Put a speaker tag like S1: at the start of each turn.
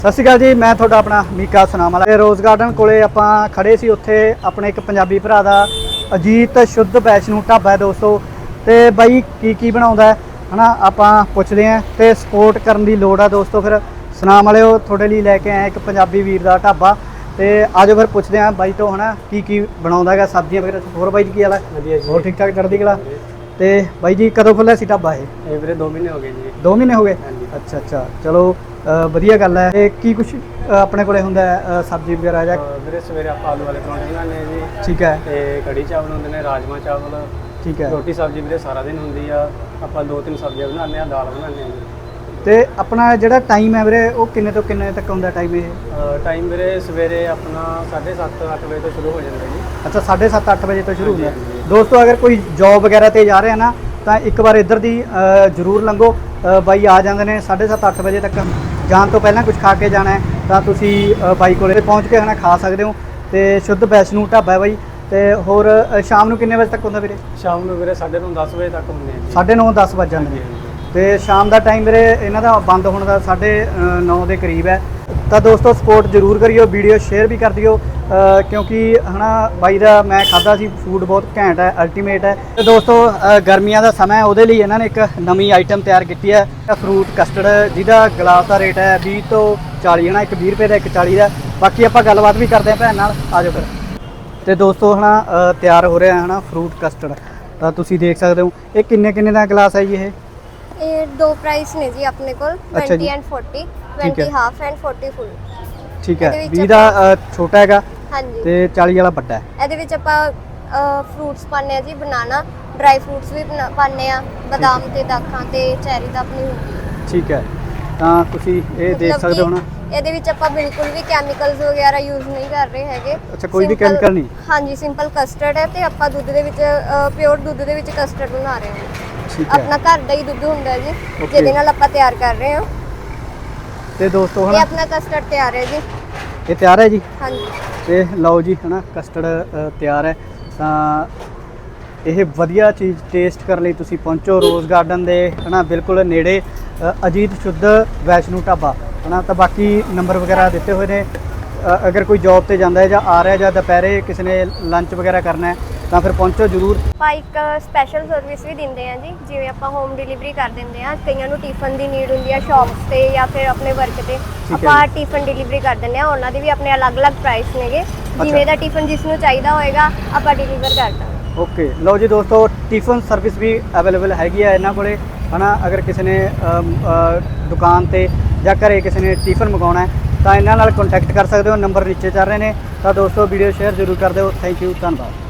S1: ਸਤਿ ਸ਼੍ਰੀ ਅਕਾਲ ਜੀ, ਮੈਂ ਤੁਹਾਡਾ ਆਪਣਾ ਮੀਕਾ ਸੁਨਾਮ ਵਾਲਾ। ਰੋਜ਼ ਗਾਰਡਨ ਕੋਲੇ ਆਪਾਂ ਖੜੇ ਸੀ। ਉੱਥੇ ਆਪਣੇ ਇੱਕ ਪੰਜਾਬੀ ਭਰਾ ਦਾ ਅਜੀਤ ਸ਼ੁੱਧ ਵੈਸ਼ਨੂ ਢਾਬਾ ਹੈ ਦੋਸਤੋ। ਤੇ ਬਾਈ ਕੀ ਬਣਾਉਂਦਾ ਹੈ ਹਨਾ, ਆਪਾਂ ਪੁੱਛਦੇ ਆਂ ਤੇ ਸਪੋਰਟ ਕਰਨ ਦੀ ਲੋੜ ਆ ਦੋਸਤੋ। ਫਿਰ ਸੁਨਾਮ ਵਾਲਿਓ ਤੁਹਾਡੇ ਲਈ ਲੈ ਕੇ ਆਏ ਇੱਕ ਪੰਜਾਬੀ ਵੀਰ ਦਾ ਢਾਬਾ। ਤੇ ਆਜੋ ਫਿਰ ਪੁੱਛਦੇ ਆਂ ਬਾਈ ਤੋਂ ਹਨਾ ਕੀ ਬਣਾਉਂਦਾ ਹੈਗਾ, ਸਬਜ਼ੀਆਂ ਵਗੈਰਾ। ਹੋਰ ਬਾਈ ਜੀ ਕੀ ਹਾਲ ਹੈ?
S2: ਵਧੀਆ ਜੀ।
S1: ਹੋਰ ਠੀਕ ਠਾਕ ਚੜ੍ਹਦੀ ਕਲਾ। ਤੇ ਬਾਈ ਜੀ ਕਦੋਂ ਖੁੱਲ੍ਹਿਆ ਸੀ ਢਾਬਾ ਇਹ?
S2: ਵੀਰੇ 2 ਮਹੀਨੇ ਹੋ ਗਏ ਜੀ।
S1: 2 ਮਹੀਨੇ ਹੋ ਗਏ?
S2: ਹਾਂਜੀ।
S1: ਅੱਛਾ ਚਲੋ ਵਧੀਆ ਗੱਲ ਹੈ। ਤੇ ਕੀ ਕੁਛ ਆਪਣੇ ਕੋਲੇ ਹੁੰਦਾ ਹੈ ਸਬਜ਼ੀ ਵਗੈਰਾ ਜਾਂ?
S2: ਵੀਰੇ ਸਵੇਰੇ ਆਪਾਂ ਆਲੂ ਵਾਲੇ ਪਰੌਂਠੇ ਬਣਾਉਂਦੇ ਹਾਂ ਜੀ।
S1: ਠੀਕ ਹੈ।
S2: ਤੇ ਕੜੀ ਚਾਵਲ ਹੁੰਦੇ ਨੇ, ਰਾਜਮਾ ਚਾਵਲ।
S1: ਠੀਕ ਹੈ।
S2: ਰੋਟੀ ਸਬਜ਼ੀ ਵੀਰੇ ਸਾਰਾ ਦਿਨ ਹੁੰਦੀ ਆ। ਆਪਾਂ 2-3 ਸਬਜ਼ੀਆਂ ਬਣਾਉਂਦੇ ਹਾਂ, ਦਾਲ ਬਣਾਉਂਦੇ ਹਾਂ ਜੀ।
S1: ਤੇ ਆਪਣਾ ਜਿਹੜਾ ਟਾਈਮ ਹੈ ਵੀਰੇ ਉਹ ਕਿੰਨੇ ਤੋਂ ਕਿੰਨੇ ਤੱਕ ਹੁੰਦਾ ਟਾਈਮ ਇਹ?
S2: ਟਾਈਮ ਵੀਰੇ ਸਵੇਰੇ ਆਪਣਾ 7:30-8 ਵਜੇ ਤੋਂ ਸ਼ੁਰੂ ਹੋ ਜਾਂਦਾ ਜੀ।
S1: ਅੱਛਾ 7:30-8 ਵਜੇ ਤੋਂ ਸ਼ੁਰੂ ਹੁੰਦਾ।
S2: ਹਾਂਜੀ।
S1: ਦੋਸਤੋ ਅਗਰ ਕੋਈ ਜੌਬ ਵਗੈਰਾ ਤੇ ਜਾ ਰਿਹਾ ਨਾ ਤਾਂ ਇੱਕ ਵਾਰ ਇੱਧਰ ਦੀ ਜ਼ਰੂਰ ਲੰਘੋ। ਬਾਈ ਆ ਜਾਂਦੇ ਨੇ 7:30-8 ਵਜੇ ਤੱਕ। ਜਾਣ ਤੋਂ ਪਹਿਲਾਂ ਕੁਝ ਖਾ ਕੇ ਜਾਣਾ ਹੈ ਤਾਂ ਤੁਸੀਂ ਬਾਈ ਕੋਲੇ ਪਹੁੰਚ ਕੇ ਹਨਾ ਖਾ ਸਕਦੇ ਹੋ। ਤੇ ਸ਼ੁੱਧ ਵੈਸ਼ਨੂ ਢਾਬਾ ਹੈ ਬਾਈ। ਤੇ ਹੋਰ ਸ਼ਾਮ ਨੂੰ ਕਿੰਨੇ ਵਜੇ ਤੱਕ ਹੁੰਦਾ ਵੀਰੇ?
S2: ਸ਼ਾਮ ਨੂੰ ਵੀਰੇ 9:30-10 ਵਜੇ ਤੱਕ ਹੁੰਦੇ ਆ ਜੀ।
S1: 9:30-10 ਵੱਜ ਜਾਂਦੇ ਨੇ। ਤੇ ਸ਼ਾਮ ਦਾ ਟਾਈਮ ਵੀਰੇ ਇਹਨਾਂ ਦਾ ਬੰਦ ਹੋਣ ਦਾ 9:30 ਦੇ ਕਰੀਬ ਹੈ। ਤਾਂ ਦੋਸਤੋ ਸਪੋਰਟ ਜ਼ਰੂਰ ਕਰਿਓ, ਵੀਡੀਓ ਸ਼ੇਅਰ ਵੀ ਕਰ ਦਿਓ ਕਿਉਂਕਿ ਹਨਾ ਬਾਈ ਦਾ ਮੈਂ ਖਾਧਾ ਸੀ, ਫੂਡ ਬਹੁਤ ਘੈਂਟ ਹੈ, ਅਲਟੀਮੇਟ ਹੈ। ਤੇ ਦੋਸਤੋ ਗਰਮੀਆਂ ਦਾ ਸਮਾਂ ਹੈ, ਉਹਦੇ ਲਈ ਇਹਨਾਂ ਨੇ ਇੱਕ ਨਵੀਂ ਆਈਟਮ ਤਿਆਰ ਕੀਤੀ ਹੈ, ਫਰੂਟ ਕਸਟਰਡ, ਜਿਹਦਾ ਗਲਾਸ ਦਾ ਰੇਟ ਹੈ 20 ਤੋਂ 40 ਹੈ ਨਾ, ਇੱਕ 20 ਰੁਪਏ ਦਾ, ਇੱਕ 40 ਦਾ। ਬਾਕੀ ਆਪਾਂ ਗੱਲਬਾਤ ਵੀ ਕਰਦੇ ਹਾਂ ਭੈਣ ਨਾਲ, ਆ ਜਾਓ ਫਿਰ। ਤੇ ਦੋਸਤੋ ਹਨਾ ਤਿਆਰ ਹੋ ਰਿਹਾ ਹੈ ਹਨਾ ਫਰੂਟ ਕਸਟਰਡ। ਤਾਂ ਤੁਸੀਂ ਦੇਖ ਸਕਦੇ ਹੋ ਇਹ ਕਿੰਨੇ ਦਾ ਗਲਾਸ ਹੈ ਜੀ ਇਹ
S3: 2 ਪ੍ਰਾਈਸ ਨੇ ਜੀ ਆਪਣੇ ਕੋਲ, 20 ਐਂਡ 40, 20 ਹਾਫ ਐਂਡ 40 ਫੁੱਲ।
S1: ਠੀਕ ਹੈ। 20 ਦਾ ਛੋਟਾ ਹੈਗਾ
S3: ਹਾਂਜੀ
S1: ਤੇ 40 ਵਾਲਾ ਵੱਡਾ ਹੈ।
S3: ਇਹਦੇ ਵਿੱਚ ਆਪਾਂ ਫਰੂਟਸ ਪਾਉਂਦੇ ਆ ਜੀ, ਬਨਾਨਾ, ਡਰਾਈ ਫਰੂਟਸ ਵੀ ਪਾਉਂਦੇ ਆ, ਬਦਾਮ ਤੇ ਦਾਖਾਂ ਤੇ ਚੈਰੀ ਦਾ ਆਪਣੀ ਹੁੰਦੀ ਹੈ।
S1: ਠੀਕ ਹੈ। ਤਾਂ ਤੁਸੀਂ ਇਹ ਦੇਖ ਸਕਦੇ ਹੋ ਨਾ,
S3: ਇਹਦੇ ਵਿੱਚ ਆਪਾਂ ਬਿਲਕੁਲ ਵੀ ਕੈਮੀਕਲਸ ਵਗੈਰਾ ਯੂਜ਼ ਨਹੀਂ ਕਰ ਰਹੇ ਹੈਗੇ।
S1: ਅੱਛਾ ਕੋਈ ਵੀ ਕੈਮੀਕਲ ਨਹੀਂ?
S3: ਹਾਂਜੀ, ਸਿੰਪਲ ਕਸਟਰਡ ਹੈ ਤੇ ਆਪਾਂ ਦੁੱਧ ਦੇ ਵਿੱਚ ਪਿਓਰ ਦੁੱਧ ਦੇ ਵਿੱਚ ਕਸਟਰਡ ਬਣਾ ਰਹੇ ਹਾਂ।
S1: ਠੀਕ ਹੈ।
S3: ਆਪਣਾ ਘਰ ਦਾ ਹੀ ਦੁੱਧ ਹੁੰਦਾ ਜੀ, ਜਿਹਦੇ ਨਾਲ ਆਪਾਂ ਤਿਆਰ ਕਰ ਰਹੇ ਹਾਂ।
S1: ਤੇ ਦੋਸਤੋ
S3: ਇਹ
S1: ਹਨਾ
S3: ਆਪਣਾ ਕਸਟਰਡ ਤਿਆਰ ਹੈ ਜੀ।
S1: ਇਹ ਤਿਆਰ ਹੈ ਜੀ।
S3: ਹਾਂਜੀ।
S1: ਤੇ ਲਓ ਜੀ ਹਨਾ ਕਸਟਰਡ ਤਿਆਰ ਹੈ। ਤਾਂ ਇਹ ਵਧੀਆ ਚੀਜ਼ ਟੇਸਟ ਕਰਨ ਲਈ ਤੁਸੀਂ ਪਹੁੰਚੋ ਰੋਜ਼ ਗਾਰਡਨ ਦੇ ਹਨਾ ਬਿਲਕੁਲ ਨੇੜੇ, ਅਜੀਤ ਸ਼ੁੱਧ ਵੈਸ਼ਨੂ ਢਾਬਾ ਹਨਾ। ਤਾਂ ਬਾਕੀ ਨੰਬਰ ਵਗੈਰਾ ਦਿੱਤੇ ਹੋਏ ਨੇ। ਅਗਰ ਕੋਈ ਜੌਬ ਤੇ ਜਾਂਦਾ ਹੈ ਜਾਂ ਆ ਰਿਹਾ ਜਾਂ ਦੁਪਹਿਰੇ ਕਿਸੇ ਨੇ ਲੰਚ ਵਗੈਰਾ ਕਰਨਾ ਹੈ ਤਾਂ ਫਿਰ ਪਹੁੰਚੋ ਜ਼ਰੂਰ।
S3: ਆਪਾਂ ਇੱਕ ਸਪੈਸ਼ਲ ਸਰਵਿਸ ਵੀ ਦਿੰਦੇ ਆ ਜੀ, ਜਿਵੇਂ ਆਪਾਂ ਹੋਮ ਡਿਲੀਵਰੀ ਕਰ ਦਿੰਦੇ ਆ। ਕਈਆਂ ਨੂੰ ਟਿਫਨ ਦੀ ਨੀਡ ਹੁੰਦੀ ਆ ਸ਼ਾਪਸ ਤੇ ਜਾਂ ਫਿਰ ਆਪਣੇ ਵਰਕ ਤੇ, ਆਪਾਂ ਟਿਫਨ ਡਿਲੀਵਰੀ ਕਰ ਦਿੰਦੇ ਆ। ਉਹਨਾਂ ਦੇ ਵੀ ਆਪਣੇ ਅਲੱਗ-ਅਲੱਗ ਪ੍ਰਾਈਸ ਨੇਗੇ, ਜਿਵੇਂ ਦਾ ਟਿਫਨ ਜਿਸ ਨੂੰ ਚਾਹੀਦਾ ਹੋਏਗਾ ਆਪਾਂ ਡਿਲੀਵਰ ਕਰ ਦਾਂਗੇ।
S1: ਓਕੇ ਲਓ ਜੀ ਦੋਸਤੋ, ਟਿਫਨ ਸਰਵਿਸ ਵੀ ਅਵੇਲੇਬਲ ਹੈਗੀ ਹੈ ਇਹਨਾਂ ਕੋਲੇ ਹਨਾ। ਅਗਰ ਕਿਸੇ ਨੇ ਦੁਕਾਨ ਤੇ ਜਾਂ ਘਰੇ ਕਿਸੇ ਨੇ ਟਿਫਨ ਮੰਗਾਉਣਾ ਹੈ ਤਾਂ ਇਹਨਾਂ ਨਾਲ ਕੰਟੈਕਟ ਕਰ ਸਕਦੇ ਹੋ। ਨੰਬਰ ਨੀਚੇ ਚੱਲ ਰਹੇ ਨੇ। ਤਾਂ ਦੋਸਤੋ ਵੀਡੀਓ ਸ਼ੇਅਰ ਜ਼ਰੂਰ ਕਰ ਦਿਓ। ਥੈਂਕ ਯੂ, ਧੰਨਵਾਦ।